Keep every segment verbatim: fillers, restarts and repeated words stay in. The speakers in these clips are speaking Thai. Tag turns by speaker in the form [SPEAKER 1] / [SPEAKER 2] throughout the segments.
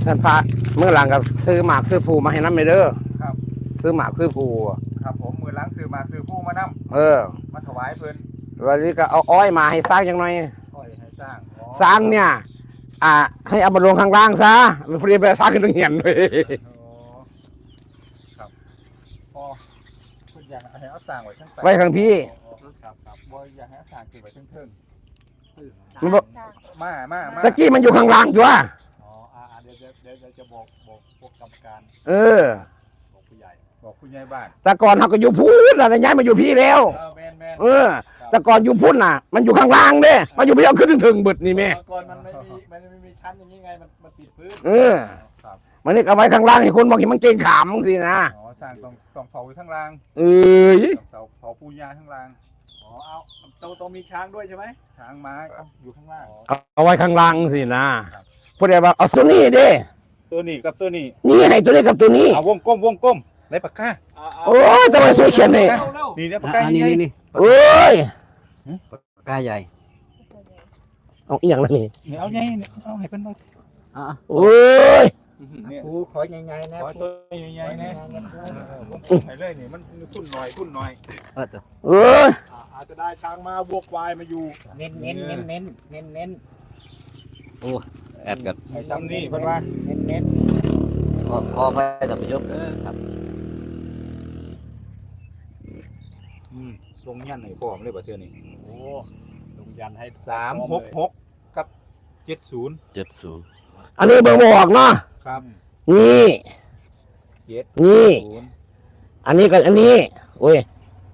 [SPEAKER 1] ท่านพระเมื่อหลังกับซื้อหมากซื้อผูมาให้น้ำไม่เด้อ
[SPEAKER 2] ครับ
[SPEAKER 1] ซื้อหมากซื้อผู
[SPEAKER 2] ครับผมมือล้างซื้อหมากซื้อผู้มานำ
[SPEAKER 1] เออ
[SPEAKER 2] มาถวายเพิ่น
[SPEAKER 1] วันนี้ก็เอาอ้อยมาให้สร้างยังไง
[SPEAKER 2] อ้อยให้สร้าง
[SPEAKER 1] สร้างเนี่ยอ่าให้เอามาลงข้างล่างซะไม่พอดีไปสร้างขึ้นตรงเหียนเลย
[SPEAKER 2] ครับอ๋อเพิ่นอยากให้เอาสร้างไว้ทั้ง
[SPEAKER 1] ไว้ข้างพี่
[SPEAKER 2] ครับครับบ่อยากให้เอาสร้างเก็บไว้เทิงๆ
[SPEAKER 1] มันบอก
[SPEAKER 2] มามามา
[SPEAKER 1] ตะกี้มันอยู่ข้างล่างอยู่อ่ะ
[SPEAKER 2] อ๋ออ่าเดี๋ยวเดี๋ยวเดี๋ยวจะบอกบอกพวกกรรมการ
[SPEAKER 1] เออ
[SPEAKER 2] บอกผู้ใหญ่บอกผู้ใหญ่บ้าน
[SPEAKER 1] แต่ก่อนเขาก็อยู่พูดแล้วย้ายมาอยู่พี่แล้วเออแต่ก่อนอยู่พุ่นน่ะมันอยู่ข้างล่างเด้มาอยู่พี่เอาขึ้นถึงบึดนี่แม่
[SPEAKER 2] ก่อนมันไม่มีมันไม่มีชั้นอย่างนี้ไงมันมันติดพื้น
[SPEAKER 1] เออมันนี่เอาไว้ข้างล่างให้คนมองเห็นมันเก่งขามสินะ
[SPEAKER 2] อ๋อสร้างต้องต้องเผาอยู่ข้างล่าง
[SPEAKER 1] เออ
[SPEAKER 2] เสาเผาปูยาข้างล่างอ๋อเอาต้องต้องมีช้างด้วยใช่ไหมช้างม้าอยู่ข้างล่าง
[SPEAKER 1] เอาไว้ข้างล่างสินะพูดได้ว่าเอาตัวนี้ดิ
[SPEAKER 2] ตัวนี้กับตัวนี้
[SPEAKER 1] นี่ให้ตัวนี้กับตัวนี้
[SPEAKER 2] เอาวงกลมวงกลมในปากกา
[SPEAKER 1] โอ้ยจะมาช่วยเขียนนี่
[SPEAKER 2] นี่เนี่ยปากกา
[SPEAKER 3] นี่นี่นี่
[SPEAKER 1] โอ้ย
[SPEAKER 3] ปากกาใหญ่
[SPEAKER 1] เอาอีกอย่างละนี่
[SPEAKER 2] เอาไงเอาให้เป็น
[SPEAKER 3] อ่ะ
[SPEAKER 1] โอ้ย
[SPEAKER 2] กูขอใหญ่ๆนะขอตัวใหญ่ๆนะวงกลมให้เลยนี่มันทุ่นหน่อยทุ่นหน่อย
[SPEAKER 3] เออตัว
[SPEAKER 1] เอ้ย
[SPEAKER 2] อาจจะได้ช้างมาบวกควายมาอยู่
[SPEAKER 3] เน้นเน้นเน้นเน้นเน้นเน้นโอ้แอดกัน
[SPEAKER 2] ไอ้ซ้ำนี่เพิ่นว่า
[SPEAKER 3] เน้นเน้นขอขอไปท่านผู้ชมเด้อครับ
[SPEAKER 2] อืมลงยันให้พร้อมเลยบ่เทื่อนี้
[SPEAKER 3] โอ้ลงยันให้
[SPEAKER 2] สามหกหกกับเจ็ดศูนย์
[SPEAKER 3] เจ็ดศูนย์
[SPEAKER 1] อันนี้เบอร์บอกเนาะ
[SPEAKER 2] ครับ
[SPEAKER 1] นี่
[SPEAKER 2] เจ็ด
[SPEAKER 1] นี่อันนี้กับอันนี้โอ้ย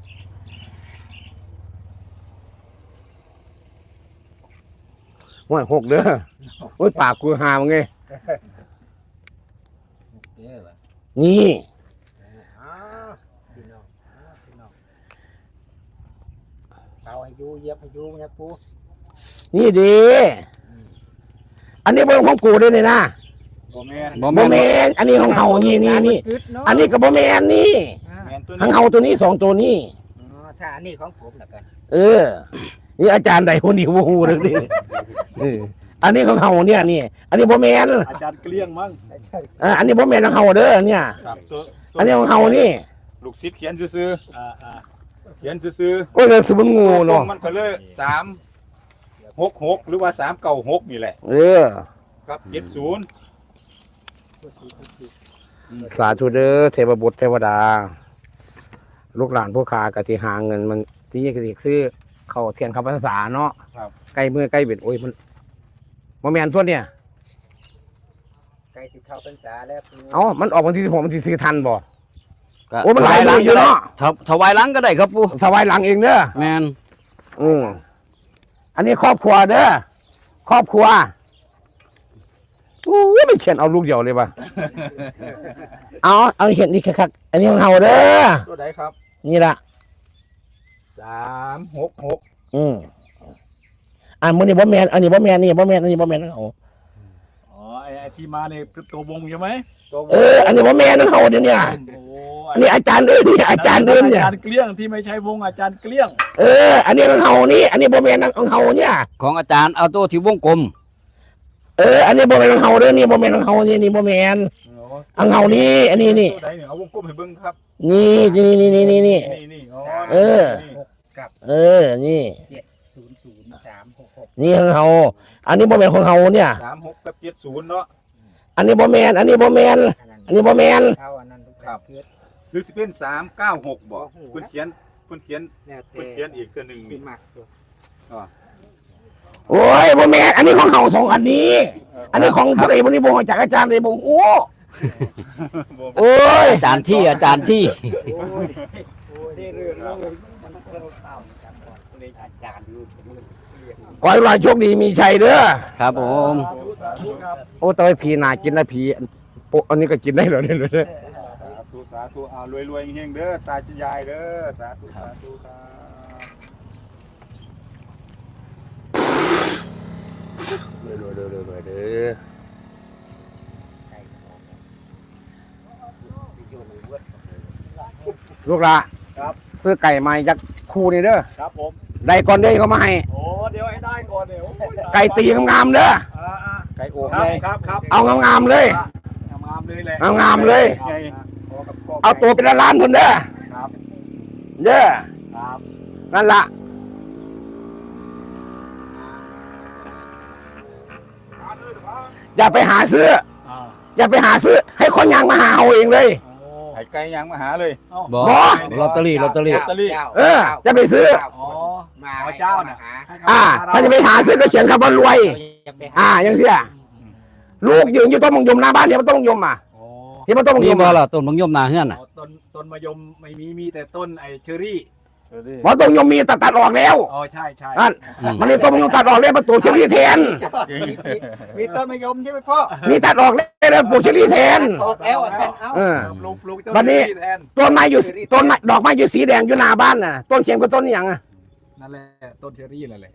[SPEAKER 1] ว่าหกเด้อโอ้ยปากกูหามึงไงนี่
[SPEAKER 3] เอาให้ยูเย็บให้ยูนะกู
[SPEAKER 1] นี่ดีอันนี้เบอร์ของกูด้วยนี่นะ
[SPEAKER 2] บ่แม่น
[SPEAKER 1] บ่แม่นอันนี้ของเฮานี่นี่นี่อันนี้ก็บ่แม่นนี่ของเฮาตัวนี้สองตัวนี้
[SPEAKER 3] อ๋อถ้าอันนี้ของผมแล้วกัน
[SPEAKER 1] เออนี่อาจารย์ใดคนนี้บ่ฮู้เด้อนี่เอออันนี้ของเฮาเนี่ยนี่อันนี้บ่แม่น
[SPEAKER 2] อาจารย์เกลี้ยงมั้ง
[SPEAKER 1] เอออันนี้บ่แม่นของเฮาเด้อเนี่ยอันนี้ของเฮานี่
[SPEAKER 2] ลูกศิษย์เขียนซื่อๆเขียนซื่อ
[SPEAKER 1] ๆโอ้ยคือมันงูเนาะ
[SPEAKER 2] มันก็เลยสามหกหกหรือว่าสามเก้าหกนี่แหละ
[SPEAKER 1] เออ
[SPEAKER 2] ครับเจ็ดศูนย์
[SPEAKER 1] สาธุเด้อเทพบุตรเทวดาลูกหลานผู้ค้ากะสิหาเงินมันที่นี่ก็สิคือเข้าเทียนเข้าพรรษาเนาะใกล้มือใกล้เบ็ดโอ้ยมันบ่แม่นตัวเนี่ย
[SPEAKER 3] ใกล้สิเข้าพรรษาแล้ว
[SPEAKER 1] เอ้ามันออกวันที่สิบหกวันที่สิบทันบ่โอ้มันหลายหลังอยู่เนาะ
[SPEAKER 3] ถวายหลังก็ได้ครับปู่
[SPEAKER 1] ถวายหลังเองเด้อ
[SPEAKER 3] แม่น
[SPEAKER 1] อืออันนี้ครอบครัวเด้อครอบครัวโอ้ยไม่เขียนเอาลูกเดียวเลยป่ะเอาเอาเขียนนี่คักอันนี้ของเฮาเด้อ
[SPEAKER 2] ตัวไหนครับ
[SPEAKER 1] นี่ละ
[SPEAKER 2] สามหกหก
[SPEAKER 1] อืมอันมื้อนี้บ่แม่นอันนี้บ่แม่นนี่บ่แม่นอันนี้บ่แม่นของเฮา
[SPEAKER 2] อ๋อไอ้ที่มาเนี่ยตัววงใช่ไหม
[SPEAKER 1] เอออันนี้บ่แม่นของเฮาเดี๋ยวนี้อันนี้อาจารย์อื่นนี่อาจารย์อื่นเนี่ย
[SPEAKER 2] อาจารย์เกลี้ยงที่ไม่ใช่วงอาจารย์เกลี้ยง
[SPEAKER 1] เอออันนี้ของเฮานี่อันนี้บ่แม่นของเฮาเนี่ย
[SPEAKER 3] ของอาจารย์เอาตัวที่วงกลม
[SPEAKER 1] เอออันนี้บ่แม่นของเฮาเด้อนี่บ่แม่นของเฮานี่นี่บ่แม่นของเฮานี่อันนี้นี่
[SPEAKER 2] ตัวไหนเนี่ยเอาวงกลมให้เบิ่งครับ
[SPEAKER 1] นี่นี่นี่นี่นี่นี่
[SPEAKER 2] นี่
[SPEAKER 1] เออเออนี่
[SPEAKER 3] เจ็ดศูนย์ศูนย์สามหกหก
[SPEAKER 1] นี่ของเฮาอันนี้บ่แม่นของเฮาเนี่ย
[SPEAKER 2] สามหกกับเจ็ดศูนย์เนาะ
[SPEAKER 1] อันนี้บ่แม่นอันนี้บ่แม่นอันนี้บ่แม่น
[SPEAKER 2] ครับหรือสิเป็นสามเก้าหกบ่เพิ่นเขียนเพิ่นเขียนเพิ่นเขียนอีกตัวนึงนี่อ๋อ
[SPEAKER 1] โอ้ยบ่แม่นอันนี้ของเฮาสองอันนี้อันนี้ของผู้ใดบ่นี่บ่จากอาจารย์ใดบ่โอ้โอ้ย
[SPEAKER 3] อาจารย์ที่อาจารย์ที่
[SPEAKER 1] ขอให้เราโชคดีมีชัยเด้อ
[SPEAKER 3] ครับผม
[SPEAKER 1] โอ้ตอยผีน่ากินนะผีอันนี้ก็กินได้เหรอเนี่ย
[SPEAKER 2] สาธุสาธุเอารวยๆเฮงๆเด้อตาจะยายเด้อสาธุสาธุครับ
[SPEAKER 1] รวยๆรวยๆเด้อลูกละ
[SPEAKER 2] ครับ
[SPEAKER 1] ซื้อไก่มายักคู่นี่เด้อ
[SPEAKER 2] ครับผม
[SPEAKER 1] ได้ก่อนเด้อเขามาให้
[SPEAKER 2] โอ้เดี๋ยวให้ได้ก่อนเดี๋ยว
[SPEAKER 1] ไก่ตีงามๆเด้อ
[SPEAKER 2] ไก่โอ่งครับครับ
[SPEAKER 1] เอางามๆเลย
[SPEAKER 2] งามเลยแหละ
[SPEAKER 1] เอางามเลย
[SPEAKER 2] ไง
[SPEAKER 1] เอาตัวเป็นล้านๆคนเด้อ
[SPEAKER 2] ครับ
[SPEAKER 1] เด้อ
[SPEAKER 2] ครับ
[SPEAKER 1] นั่นละอย่าไปหาซื้อ
[SPEAKER 2] อ่า
[SPEAKER 1] อย่าไปหาซื้อ ให้คนยางมาหาเอาเองเลย
[SPEAKER 2] ไข่ไก่ยังมาหาเลย
[SPEAKER 3] บอ
[SPEAKER 1] บ่
[SPEAKER 3] ลอตเตอรี่ลอตเตอรี่
[SPEAKER 2] ลอตเตอรี่
[SPEAKER 1] เออจะไปซื้อ
[SPEAKER 2] อ๋อมาเจ้าน่ะ
[SPEAKER 1] อ่า ถ้าจะไปหาซื้อก็เขียนคำว่ารวย อ่าอย่างเสียลูกยืนอยู่ต้นมงยมหน้าบ้านเดี๋ยวมันต้นมงยมอ่ะ
[SPEAKER 2] โอ้
[SPEAKER 1] ที่มันต้นมง
[SPEAKER 3] มี
[SPEAKER 1] ยม
[SPEAKER 3] บอ
[SPEAKER 1] อ่ะ
[SPEAKER 3] ล่ะต้นบางยมนาเฮือนน่ะ
[SPEAKER 2] ต้นต้นมะยมไม่มีมีแต่ต้นไอ้เชอรี่
[SPEAKER 1] เพราะต้นมงยมมีตัดตัดออกแล้ว
[SPEAKER 2] อ๋อใช่ใช่
[SPEAKER 1] นั่น
[SPEAKER 3] อืม
[SPEAKER 1] มันนี่ต้นมงยมตัดออกแล้วมาปลูกเชอรี่แทน
[SPEAKER 4] มีต้นมะยมใช่ไหมพ่อ
[SPEAKER 1] มีตัดออกแล้วแล้วปลูกเชอรี่แทน
[SPEAKER 4] ออกแล้วอ่ะท่านเอา
[SPEAKER 1] เออ
[SPEAKER 2] ปลูกปลูกต้น
[SPEAKER 1] วันนี้
[SPEAKER 2] เชอรี่แทน
[SPEAKER 1] ต้นไม้อยู่ต้นไม้ดอกไม้อยู่สีแดงอยู่หน้าบ้านน่ะต้นเข็มกับต้นนี่ยังอ่ะ
[SPEAKER 2] นั่นแหละต้นเชอรี่นั่นแหละ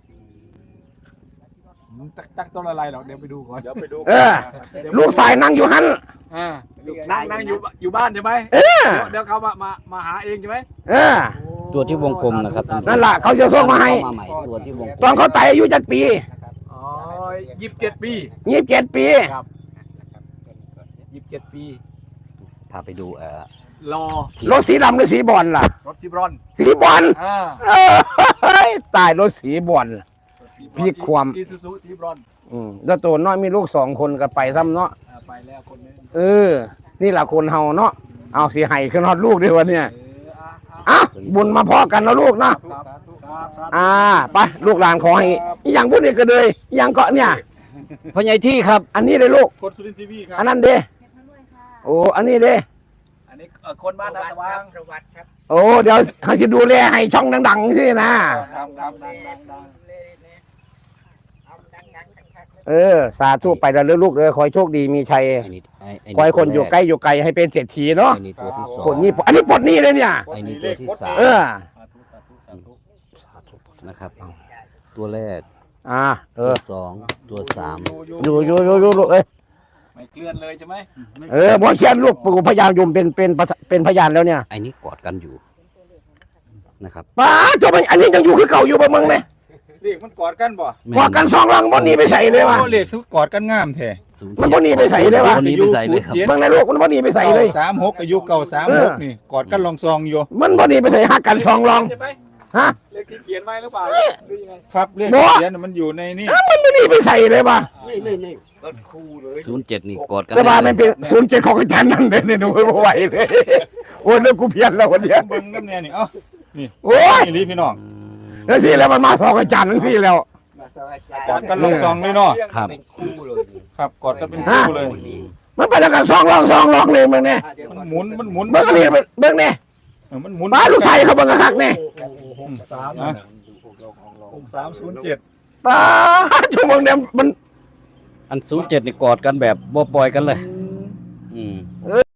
[SPEAKER 2] อืมตั้งตั้งต้นอะไรหรอกเดี๋ยวไปดูก่อนเดี๋ยวไปดู
[SPEAKER 1] เออ ลูกสายนั่งอยู่หัน
[SPEAKER 2] อ่านั่งนั่งอยู่อยู่บ้านใช่ไหม
[SPEAKER 1] เออ
[SPEAKER 2] เดี๋ยวเขามามามาหาเองใช่ไหม
[SPEAKER 1] เออ
[SPEAKER 3] ตัวที่วงกลมนะครับ
[SPEAKER 1] นั่นล่ะเขาจะส่งมาให้
[SPEAKER 3] มาใหม่ตัวที่วงก
[SPEAKER 1] ต
[SPEAKER 3] ล
[SPEAKER 1] อน
[SPEAKER 3] ม
[SPEAKER 1] เขาตายอายุจัดปี
[SPEAKER 2] อ๋อยี่สิบเจ็ดปี
[SPEAKER 1] ยี่สิบเจ็ดปี
[SPEAKER 2] ครับยี่สิบเจ็ดปี
[SPEAKER 3] พาไปดูเอ่อ
[SPEAKER 2] รอ
[SPEAKER 1] รถสีดำหรือสีบอลล่ะ
[SPEAKER 2] รถซิบรอน
[SPEAKER 1] สีบอล
[SPEAKER 2] อ่า
[SPEAKER 1] เอ้ยตายรถสีบอล พี่ความ
[SPEAKER 2] อีซูซูซิบรอน
[SPEAKER 1] อืมแล้วตัวน้อยมีลูกสองคนก็ไปซ้ำเนาะ
[SPEAKER 2] อ่าไปแล้วคนนึง
[SPEAKER 1] เออ นี่แหละคนเฮาเนาะเอาสีไห้ขึ้นฮอดลูกด้วยวันเนี่ย
[SPEAKER 2] เอออ่ะอ่ะ
[SPEAKER 1] อ่ะบุญมาพอกันนะลูกเนาะ
[SPEAKER 2] ครับครับครับ
[SPEAKER 1] อ่าไปลูกหลานขอให้อหย่างพูดนี่ก็เลยอหย่างเกาะเนี่ย
[SPEAKER 3] พ่อใหญ่ที่ครับ
[SPEAKER 1] อันนี้เลยลูก
[SPEAKER 2] คนสุรินทร์ทีวีครับ
[SPEAKER 1] อันนั้นเด้โอ้อันนี้เด้
[SPEAKER 2] อันนี้เอ่อคนบ้านท่าสว่าง
[SPEAKER 4] ประวัติครับ
[SPEAKER 1] โอ้เดี๋ยวเขาจะดูแลให้ช่องดังๆสินะ
[SPEAKER 2] ครับครับดังดังดัง
[SPEAKER 4] เอาดังๆคักๆ
[SPEAKER 1] เออ สาธุไปแล้วเด้อลูกเด้อขอให้โชคดีมีชัย
[SPEAKER 3] ไอ้นี่ไอ้ไอ้
[SPEAKER 1] ขอให้คนอยู่ใกล้อยู่ไกลให้เป็นเศรษฐีเนาะ
[SPEAKER 3] ไอ้นี่ตัวที่สอง
[SPEAKER 1] ปลดหนี้อันนี้ปลดหนี้เลยเนี่ย
[SPEAKER 3] ไอ้นี่ตัวที่สาม
[SPEAKER 1] เออ
[SPEAKER 2] สาธุสาธุสาธุ
[SPEAKER 3] นะครับ ตัวแรก
[SPEAKER 1] อ่าเอ
[SPEAKER 3] ตัว
[SPEAKER 1] อ
[SPEAKER 3] สองตัวสาม
[SPEAKER 1] อยู่อยู่อยู่อยู่ลูกเอ้ย
[SPEAKER 2] ไม่เคลื่อนเลยใช่ไหม
[SPEAKER 1] เออบ่เชียนลูกปู่พญายมเป็นเป็นเป็นพยานแล้วเนี่ย
[SPEAKER 3] ไอ้นี่กอดกันอยู่นะครับ
[SPEAKER 1] ป้าเจ้ามันอันนี้ยังอยู่คือเก่าอยู่บ่มึงเนี่ย
[SPEAKER 2] เรียกมันกอดกันบ่
[SPEAKER 1] กอดกันสองหลังบ่หนีไปใส่เลยว่ะ
[SPEAKER 2] โอ้เรียกทุกกอดกันงามแท้
[SPEAKER 3] ศูย์
[SPEAKER 1] มันบ่หนีไปใส่เลยวะ
[SPEAKER 3] บ่หนีไปใส่เลยครับ
[SPEAKER 1] เบิ่งในลูกมันบ่หนีไปใส่เลย
[SPEAKER 2] สามหกอายุเก่าสามหกนี่กอดกันลองซองอยู่
[SPEAKER 1] มันบ่หนีไปใส่หักกันสองหลัง
[SPEAKER 2] ใช่ไหม
[SPEAKER 1] ฮะ
[SPEAKER 2] เลขที่เขียนไว้หรือเปล่าหรือยังไง
[SPEAKER 4] ครับเรียก
[SPEAKER 1] บ่
[SPEAKER 4] เขียนมันอยู่ในนี่
[SPEAKER 1] อ้าวมันบ่หนีไปใส่เลยว่ะ
[SPEAKER 4] นี่นี่นี่ต้นคู่เลย
[SPEAKER 3] ศูนย์เจ็ดนี่กอดกัน
[SPEAKER 1] แต่ว่ามันเป็นศูนย์เจ็ดของอาจารย์นั่นเด้เนี่ยหนูบ่ไหวเลยโอ้ยเลิกกูเพี้ยนแล้ววันเนี้ย
[SPEAKER 2] เบิ่งน้ำเนี่ยนี่เอ้า
[SPEAKER 1] โอ้ย
[SPEAKER 2] นี่ลีพี่น้อง
[SPEAKER 3] อืม
[SPEAKER 1] แล้วสิแล้วมันมาสองอาจารย์ทั้งสี่แล้ว
[SPEAKER 4] มาสวัสดี
[SPEAKER 2] กอดกันลองซองเลยเนาะ
[SPEAKER 3] ครับ
[SPEAKER 4] เป็นคู่เลย
[SPEAKER 2] ครับกอดกันเป็นคู่เลย
[SPEAKER 1] มันไปแล้วกันสองหลังสองหลังเลยมึงเนี่ย
[SPEAKER 4] อ่ะเดี๋ยว
[SPEAKER 2] มันหมุนมันหมุน
[SPEAKER 1] เบิ่งอันนี้เบิ่งเนี่ย
[SPEAKER 2] เออมันหมุน
[SPEAKER 1] ป้าลูกชายเขาเบิ่งกระคักเนี่ย
[SPEAKER 2] สามหกสามศูนย์เจ็ด
[SPEAKER 1] ป้าชั่วโมงเนี่ยมัน
[SPEAKER 3] อันศูนย์เจ็ดนี่กอดกันแบบบ่ปล่อยกันเลย อืม